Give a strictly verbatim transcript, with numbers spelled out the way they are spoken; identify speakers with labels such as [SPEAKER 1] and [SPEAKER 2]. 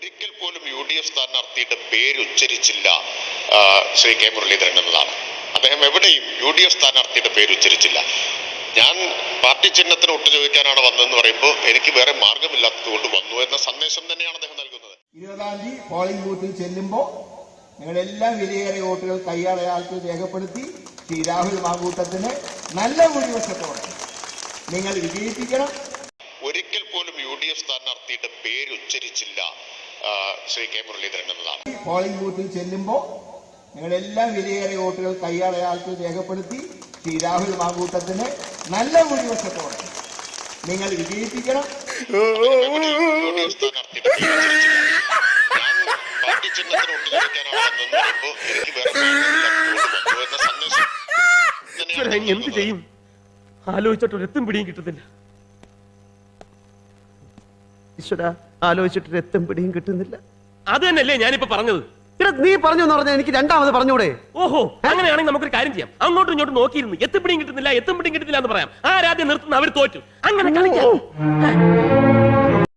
[SPEAKER 1] ഒരിക്കൽ പോലും U D F സ്ഥാനാർത്ഥിയുടെ പേര് ഉച്ചരിച്ചില്ല ശ്രീ കെ മുരളീധരൻ എന്നതാണ്. അദ്ദേഹം എവിടെയും യു ഡി എഫ് സ്ഥാനാർത്ഥിയുടെ പേര് ഉച്ചരിച്ചില്ല. ഞാൻ പാർട്ടി ചിഹ്നത്തിന് ഒട്ടു ചോദിക്കാനാണ് വന്നതെന്ന് പറയുമ്പോൾ എനിക്ക് വേറെ മാർഗമില്ലാത്തത് കൊണ്ട് വന്നു എന്ന സന്ദേശം തന്നെയാണ് അദ്ദേഹം നൽകുന്നത്.
[SPEAKER 2] ഇരുപതാം തീയതി പോളിംഗ് ബൂത്തിൽ ചെല്ലുമ്പോൾ നിങ്ങളെല്ലാം വിലയേറിയ വോട്ടുകൾ കൈയടയാൾക്ക് രേഖപ്പെടുത്തി ശ്രീ രാഹുൽ മാങ്കൂട്ടത്തിന് നല്ല ഭൂരിപക്ഷത്തോടെ നിങ്ങൾ വിജയിപ്പിക്കണം.
[SPEAKER 1] ഒരിക്കൽ പോലും യു ഡി എഫ് സ്ഥാനാർത്ഥിയുടെ പേര് ഉച്ചരിച്ചില്ല ശ്രീ കെ മുരളീധരൻ എന്നതാണ്.
[SPEAKER 2] പോളിംഗ് ബൂത്തിൽ ചെല്ലുമ്പോൾ നിങ്ങളെല്ലാം വിലയേറിയ വോട്ടുകൾ കൈയടയാൾക്ക് രേഖപ്പെടുത്തി ശ്രീ രാഹുൽ മാങ്കൂട്ടത്തിന് നല്ല ഭൂരിപക്ഷത്തോടെ നിങ്ങൾ വിജയിപ്പിക്കണം.
[SPEAKER 3] എന്ത് ചെയ്യും ആലോചിച്ചിട്ട് എത്തും പിടിയും കിട്ടുന്നില്ല. ഈശ്വര ആലോചിച്ചിട്ട് എത്തും പിടിയും കിട്ടുന്നില്ല. അത് തന്നെയല്ലേ ഞാനിപ്പോ പറഞ്ഞത്.
[SPEAKER 4] നീ പറഞ്ഞു എന്ന് പറഞ്ഞാൽ എനിക്ക് രണ്ടാമത് പറഞ്ഞൂടെ?
[SPEAKER 3] ഓഹോ, അങ്ങനെയാണെങ്കിൽ നമുക്കൊരു കാര്യം ചെയ്യാം. അങ്ങോട്ടും ഇങ്ങോട്ടും നോക്കിയിരുന്നു എത്തും പിടിയും കിട്ടുന്നില്ല എത്തും പിടിയും കിട്ടുന്നില്ല എന്ന് പറയാം. ആരാദ്യം നിർത്തുന്ന അവർ തോറ്റു. അങ്ങനെ കളിക്കാം.